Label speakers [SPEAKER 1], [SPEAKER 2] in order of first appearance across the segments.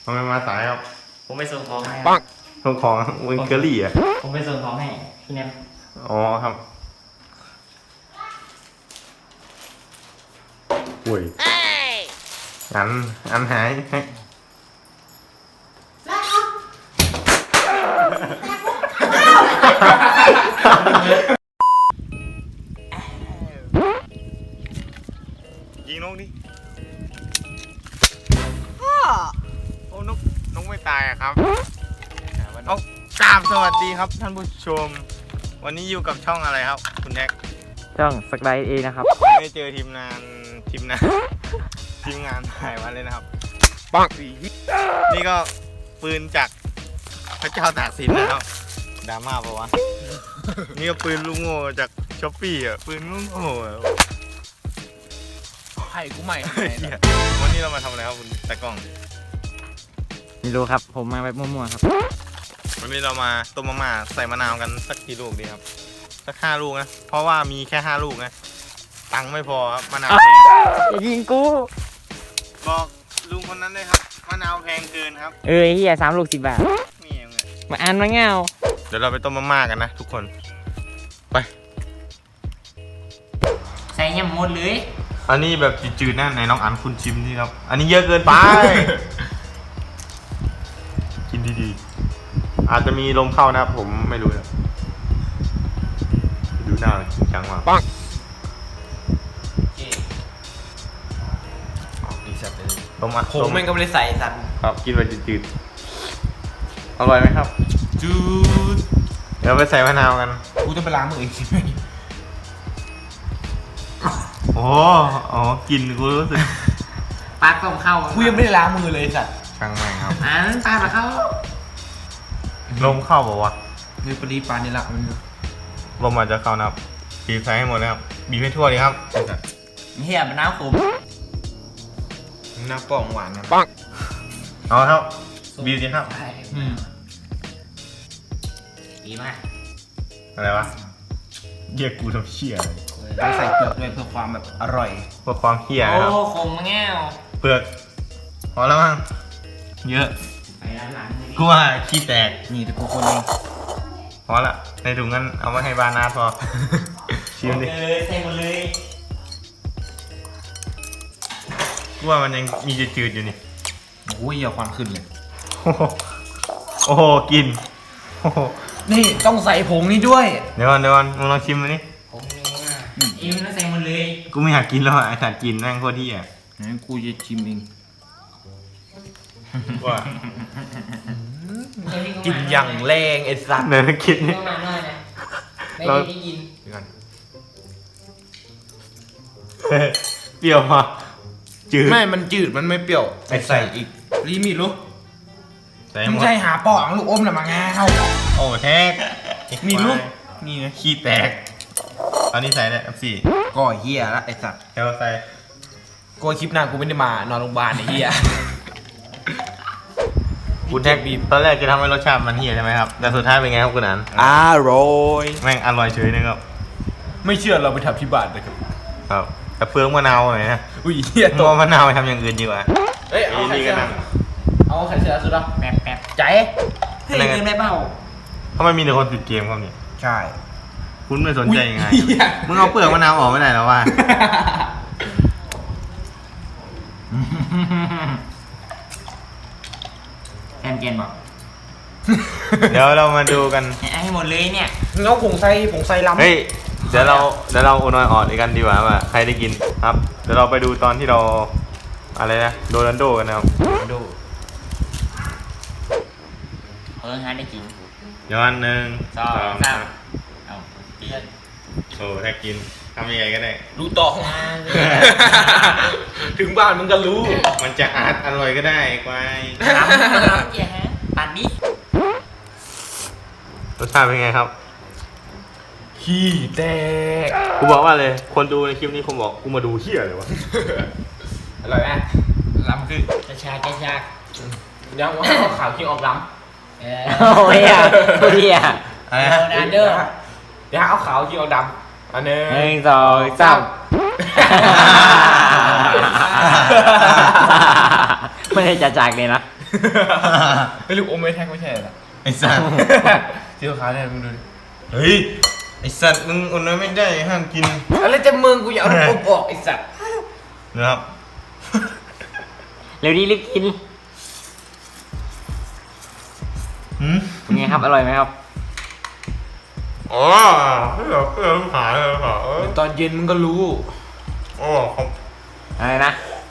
[SPEAKER 1] ทำไมมาสายครับ
[SPEAKER 2] ผมไปส่งของให้
[SPEAKER 1] ปังส่งของวิงเกอรี่อ่ะ
[SPEAKER 2] ผมไปส่งของให้พี่แนม
[SPEAKER 1] อ๋อครับอุ้ยอันหายยิงนกดิโอ้นกไม่ตายอะครับเอากราบสวัสดีครับท่านผู้ชมวันนี้อยู่กับช่องอะไรครับคุณแท็ก
[SPEAKER 2] ช่องสกายเอนะครับ
[SPEAKER 1] ไม่เจอทีมงานถ่ายวันเลยนะครับปังนี่ก็ปืนจากพระเจ้าตากสินนะครับดราม่าปะวะนี่ก็ปืนลูกโง่จากช้อปปี้อ่ะปืนลูกโง่
[SPEAKER 3] ให้กูใหม่
[SPEAKER 1] วันนี้เรามาทำอะไรครับคุณตากล้อง
[SPEAKER 2] ไม่รู้ครับผมมาแบบมั่วๆครับ
[SPEAKER 1] วันนี้เรามาต้มมาม่าใส่มะนาวกันสักกี่ลูกดีครับสัก5 ลูกนะเพราะว่ามีแค่5 ลูกนะตังค์ไม่พอครับมะนาวแพง
[SPEAKER 2] อย่ายิงกู
[SPEAKER 1] บอกลุงคนนั้นเลยครับมะนาวแพงเกินครับ
[SPEAKER 2] เฮีย3 ลูก 10 บาท
[SPEAKER 1] นี่ไง
[SPEAKER 2] มาอ่านมาเงา
[SPEAKER 1] เดี๋ยวเราไปต้มมาม่ากันนะทุกคนไป
[SPEAKER 2] ใส่ยำหมดเลย
[SPEAKER 1] อันนี้แบบจืดๆนะไหนน้องอันคุณชิมนี่ครับอันนี้เยอะเกินไป กินดีๆอาจจะมีลมเข้านะผมไม่รู้นะดูหน้าจริงจังมากปังดีสัตว์เลยต้มมา
[SPEAKER 3] ผมแม่งก็ไม่ได้ใส่สัตว์
[SPEAKER 1] ครับกินไปจืดๆอร่อยไหมครับจืดเดี๋ยวไปใส่มะนาวกัน
[SPEAKER 3] กูจะไปล้างมืออีกที
[SPEAKER 1] โอ้กินกูรู้สึก
[SPEAKER 2] ปากต้มเข้า
[SPEAKER 3] กูยังไม่ได้ล้างมือเลยสัตว์
[SPEAKER 1] ช่างแม่งครับ
[SPEAKER 2] ปากเข้า
[SPEAKER 1] ลมเข้าบอกว่า
[SPEAKER 3] คือปริปานนี่ละมัน
[SPEAKER 1] ลมอาจจะเข้านะครับบีบใส่ให้หมดนะครับบีบให้ทั่วเลยครับ
[SPEAKER 2] เฮียมันน้ำขม
[SPEAKER 3] น้ำป่องหวานนะ
[SPEAKER 1] ปังเอาครับบีบดีครับ
[SPEAKER 2] ดีมาก
[SPEAKER 1] อะไรวะเรียกกูทำเชี่ย
[SPEAKER 3] ต้องใส่เปลือกด้วยเพื่อความแบบอร่อย
[SPEAKER 1] เพื่อความเฮี้ยนะครับ
[SPEAKER 2] โอ้ขมแง่ว
[SPEAKER 1] เปลือกพอแล้วมั้งเยอะกูว่าขี้แตก
[SPEAKER 3] นี่แต่กูคนเอง
[SPEAKER 1] พอละในถุงนั้นเอามาให้บานาพอชิมดิ
[SPEAKER 2] ใส่หมดเลย
[SPEAKER 1] กูว่ามันยังมีจืดๆอยู่นี่
[SPEAKER 3] โอ้ยอย่าควันขึ้นเลย
[SPEAKER 1] โอ้โหกิน
[SPEAKER 3] นี่ต้องใส่ผงนี่ด้วย
[SPEAKER 1] เดี๋ยวก่อนมึงลองชิมมันนี่
[SPEAKER 2] ผงนี่มันใส่หมดเลย
[SPEAKER 1] กูไม่อยากกินแล้วไอ้สัตว์กินแม่งโคตรที่อ่ะ
[SPEAKER 3] งั้นกูจะชิมเอง
[SPEAKER 1] ว่า
[SPEAKER 3] กินอย่างแรงไอ้สัตว์
[SPEAKER 1] เดี๋ยวคิดนี่
[SPEAKER 2] ไม่ได้กิน
[SPEAKER 1] เปรี้ยวมาจืด
[SPEAKER 3] ไม่มันจืดมันไม่เปรี้ยวใส่อีกรีมีรู้ไม่ใช่หาปองลูกอมหรือมาง่าเข้า
[SPEAKER 1] โอ้แท็ก
[SPEAKER 3] มีลูกนี่นะ
[SPEAKER 1] ขี้แตกตอนนี้ใส่เลย4
[SPEAKER 3] ก็เฮียละไอ้สัตว์
[SPEAKER 1] เดี๋ยวใส่
[SPEAKER 3] กูคลิปหน้ากูไม่ได้มานอนโรงพยาบาลไอ้เฮีย
[SPEAKER 1] คุณแท็กบีตอนแรกจะทำให้รสชาติมันเฮียใช่ไหมครับแต่สุดท้ายเป็นไงครับคุณอัน
[SPEAKER 3] อร่อย
[SPEAKER 1] แม่งอร่อยเฉยนะครับ
[SPEAKER 3] ไม่เชื่อเราไปทำที่บ้านเลยครับ
[SPEAKER 1] ครับแต่เฟืองมะนาวหน่อยนะ
[SPEAKER 3] อุ้ยเฮีย
[SPEAKER 1] ตัวมะนาวไปทำอย่างอื่นดีกว่า
[SPEAKER 3] เอ้ยเอาไข่เสือสุดแล้ว
[SPEAKER 2] แป๊บ
[SPEAKER 3] ใจ
[SPEAKER 2] ให้เงินได้เปล่า
[SPEAKER 1] ทำไมมีแต่คนติดเกมครับเนี่ย
[SPEAKER 3] ใช่
[SPEAKER 1] คุณไม่สนใจยังไงมึงเอาเปลือกมะนาวออกไม่ได้แล้วว่า
[SPEAKER 2] เกนบอก
[SPEAKER 1] เดี๋ยวเรามาดูกัน
[SPEAKER 2] ให้หมดเลยเนี่ย
[SPEAKER 3] เงาผงไซล้ำ
[SPEAKER 1] เฮ้ยเดี๋ยวเราโอนอยออดกันดีกว่าใครได้กินครับเดี๋ยวเราไปดูตอนที่เราอะไรนะโรนัลโดกันนะครับ
[SPEAKER 3] ดู
[SPEAKER 2] ฮะได้กิน
[SPEAKER 1] ย้อน 1 2 3
[SPEAKER 2] เอาเตี้ย
[SPEAKER 1] โอ้ถ้ากินทำยังไงก็ได้
[SPEAKER 3] รู้ต่อถึงบ้านมึงก็รู้
[SPEAKER 1] มันจะอร่อยก็ได้ควาย
[SPEAKER 2] ตัดดิ
[SPEAKER 1] รสชาติเป็นไงครับ
[SPEAKER 3] ขี้แตก
[SPEAKER 1] กูบอกว่าเลยคนดูในคลิปนี้ผมบอกกูมาดูเหี้ยเลยวะ
[SPEAKER 3] อร่อยไหมล้ำคือ
[SPEAKER 2] จะชา
[SPEAKER 3] ยังว่าเอาข่าวขี้ออกล้ำ
[SPEAKER 2] โอ้ยอ่ะเฮีย
[SPEAKER 3] นาเดอร์เดี๋ยวเอาขาวขี้ออกดำอันนึง
[SPEAKER 2] 1 2 3ไม่ได้จะจากเลยนะ
[SPEAKER 3] ไม่ลูกอมไม่แท็กไม่ใช่เหรอ
[SPEAKER 1] ไอ้สัตว์
[SPEAKER 3] เจ้าขาเนี่ยมึงดูดิ
[SPEAKER 1] เฮ้ยไอ้สัตว์มึงอดน้อยไม่ได้ห้ามกิน
[SPEAKER 3] อะไรจะมึงกูอยากเอาลูกอมออกไอ้สัตว์
[SPEAKER 1] นะครับ
[SPEAKER 2] เร็วดีรีบกิน
[SPEAKER 1] หืม
[SPEAKER 2] เป็นไงครับอร่อยไหมครับ
[SPEAKER 1] อ๋อเพื่อหายเลยค่ะ
[SPEAKER 3] ตอนเย็นมึงก็รู้
[SPEAKER 1] โอ้ครับ
[SPEAKER 2] อะไรนะ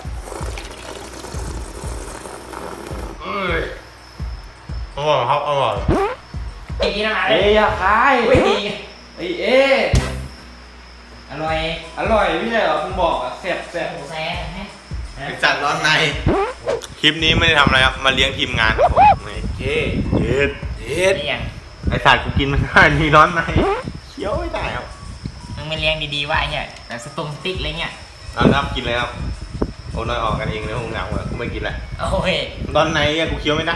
[SPEAKER 1] อร่อยครับอร่อย
[SPEAKER 2] ไอ้นี่นะ
[SPEAKER 3] เอ้ยอย่าคายไอ้เอ๊ะ
[SPEAKER 2] อร่อย
[SPEAKER 3] อร่อยไม่ใช่เหรอคุณบอกอะแซ่บ
[SPEAKER 2] หมูแซ่ฮะ
[SPEAKER 1] ไอ้สัตว์ร้อนในคลิปนี้ไม่ได้ทำอะไรครับมาเลี้ยงทีมงานครับผมนี่
[SPEAKER 3] เย้
[SPEAKER 1] เย็ด
[SPEAKER 2] นี่ยัง
[SPEAKER 1] ไอ้สัตว์กูกินไม่ได้มีร้อนในเคี้ยวไม่ได้ครับ
[SPEAKER 2] มึงไม่เลี้ยงดีๆว่าไอ้เนี่ยแบบสตุ้งสติ๊กอะไรเงี้ย
[SPEAKER 1] เอาครับกินเลยครับโอ้น้อยออกกันเองเลยคงเหงาเลยกูไม่กินแหละ
[SPEAKER 2] โอ้ย
[SPEAKER 1] ร้อนในอะกูเคี้ยวไม่ได้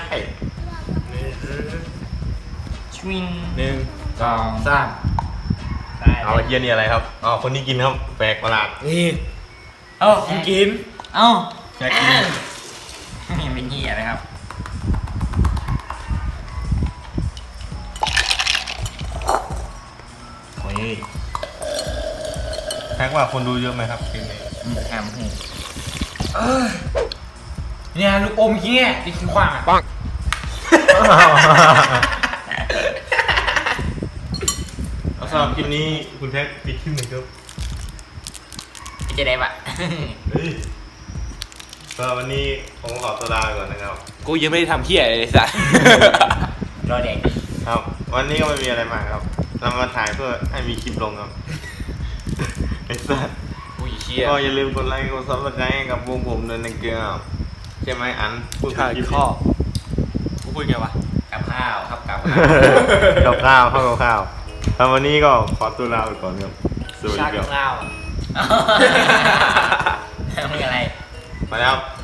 [SPEAKER 2] ชวิง
[SPEAKER 3] 1 2 3
[SPEAKER 2] ได้
[SPEAKER 1] เอาไอ้เฮียนี่อะไรครับอ๋อคนนี้กินครับแปลกประหลาด
[SPEAKER 3] นี่
[SPEAKER 2] เอ้า
[SPEAKER 3] มึงกิน
[SPEAKER 2] เอ้า
[SPEAKER 1] แปลกกิน
[SPEAKER 2] นี่เป็นเหี้ยนะครับ
[SPEAKER 1] โอ้ยแท็กว่าคนดูเยอะไหมครับคลิปนี้
[SPEAKER 2] แฮมหู
[SPEAKER 3] เนี่ยลูกอมเงี้ยนี่คือความอ่ะ
[SPEAKER 1] เอาสำหรับคลิปนี้คุณแท็กปิดคลิปหนึ่งครับ
[SPEAKER 2] จะได้ปะ
[SPEAKER 1] เฮ้ยสำหรับวันนี้ผมขอตัวลาไปก่อนนะครับ
[SPEAKER 3] กูยังไม่ได้ทำเหี้ยเลยสัส
[SPEAKER 2] รอเด็ก
[SPEAKER 1] ครับ วันนี้ก็ไม่มีอะไรมากครับ เรามาถ่ายเพื่อให้มีคลิปลงครับ ไอ้สัส
[SPEAKER 3] อุ้ยเหี้ย
[SPEAKER 1] ก็อย่าลืมกดไลค์กดซับสไครต์กับวงผมด้วยนะครับใช่ไหมอันพูด
[SPEAKER 3] ใช่
[SPEAKER 1] คลิป
[SPEAKER 3] ข้อกูพูดไงวะ
[SPEAKER 2] กับข้าวครับกับ
[SPEAKER 1] กับข้าวเข้ากับข้าวแล้ววันนี้ก็ขอตัวลาไปก่อนครับสวัสดี
[SPEAKER 3] ชาติ
[SPEAKER 1] ครับ
[SPEAKER 3] ข้าว
[SPEAKER 2] ทำอะไร
[SPEAKER 1] ไปแล้วครับ